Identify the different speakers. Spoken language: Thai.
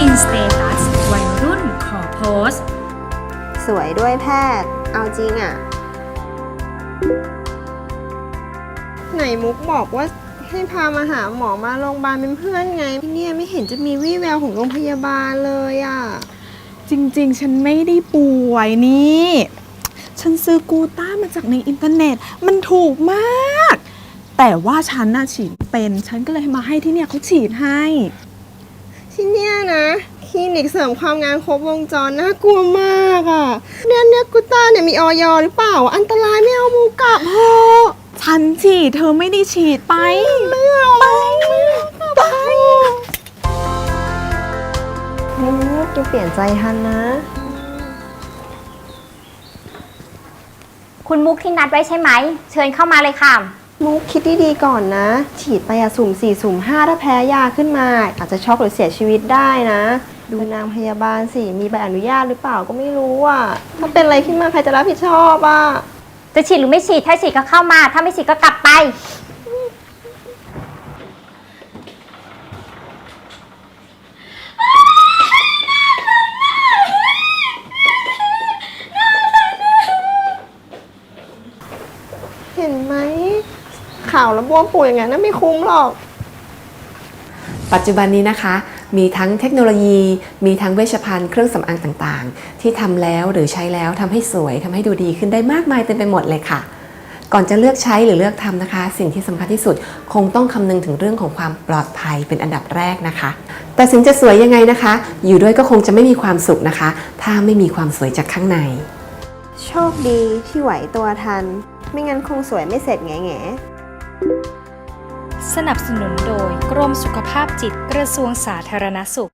Speaker 1: นสเตตัสวัยรุ่นขอโพสต์
Speaker 2: สวยด้วยแพทย์เอาจริงอ่ะไหนมุกบอกว่าให้พามาหาหมอมาโรงพยาบาลเป็นเพื่อนไงพี่เนี่ยไม่เห็นจะมีวี่แววของโรงพยาบาลเลยอ่ะ
Speaker 3: จริงๆฉันไม่ได้ป่วยนี่ฉันซื้อกูต้ามาจากในอินเทอร์เน็ตมันถูกมากแต่ว่าฉันน่ะฉีดเป็นฉันก็เลยมาให้ที่เนี่ยเขาฉีดให้
Speaker 2: ที่เนี่ยนะคลินิกเสริมความงามครบวงจรน่ากลัวมากอ่ะเนี่ยกูต้าเนี่ยมีออยหรือเปล่าอันตรายไม่เอามูกลับเถอะ
Speaker 3: ฉันฉีดเธอไม่ได้ฉีดไป
Speaker 2: ไม่เอาไปมุกจะเปลี่ยนใจทันนะ
Speaker 4: คุณมุกที่นัดไว้ใช่ไหมเชิญเข้ามาเลยค่ะ
Speaker 2: มุกคิดดีๆก่อนนะฉีดไปสุ่ม 4 สุ่ม 5ถ้าแพ้ยาขึ้นมาอาจจะช็อกหรือเสียชีวิตได้นะดูนางพยาบาลสิมีใบอนุญาตหรือเปล่าก็ไม่รู้อ่ะถ้าเป็นอะไรขึ้นมาใครจะรับผิดชอบอ่ะ
Speaker 4: จะฉีดหรือไม่ฉีดถ้าฉีดก็เข้ามาถ้าไม่ฉีดก็กลับไป
Speaker 2: เห็นไหมข่าวแล้วบวมปูอย่างนั้นไม่คุ้มหรอก
Speaker 5: ปัจจุบันนี้นะคะมีทั้งเทคโนโลยีมีทั้งเวชภัณฑ์เครื่องสำอางต่างๆที่ทำแล้วหรือใช้แล้วทำให้สวยทำให้ดูดีขึ้นได้มากมายเต็มไปหมดเลยค่ะก่อนจะเลือกใช้หรือเลือกทำนะคะสิ่งที่สำคัญที่สุดคงต้องคำนึงถึงเรื่องของความปลอดภัยเป็นอันดับแรกนะคะแต่ถึงจะสวยยังไงนะคะอยู่ด้วยก็คงจะไม่มีความสุขนะคะถ้าไม่มีความสวยจากข้างใน
Speaker 2: โชคดีที่ไหวตัวทันไม่งั้นคงสวยไม่เสร็จแง่
Speaker 1: สนับสนุนโดยกรมสุขภาพจิตกระทรวงสาธารณสุข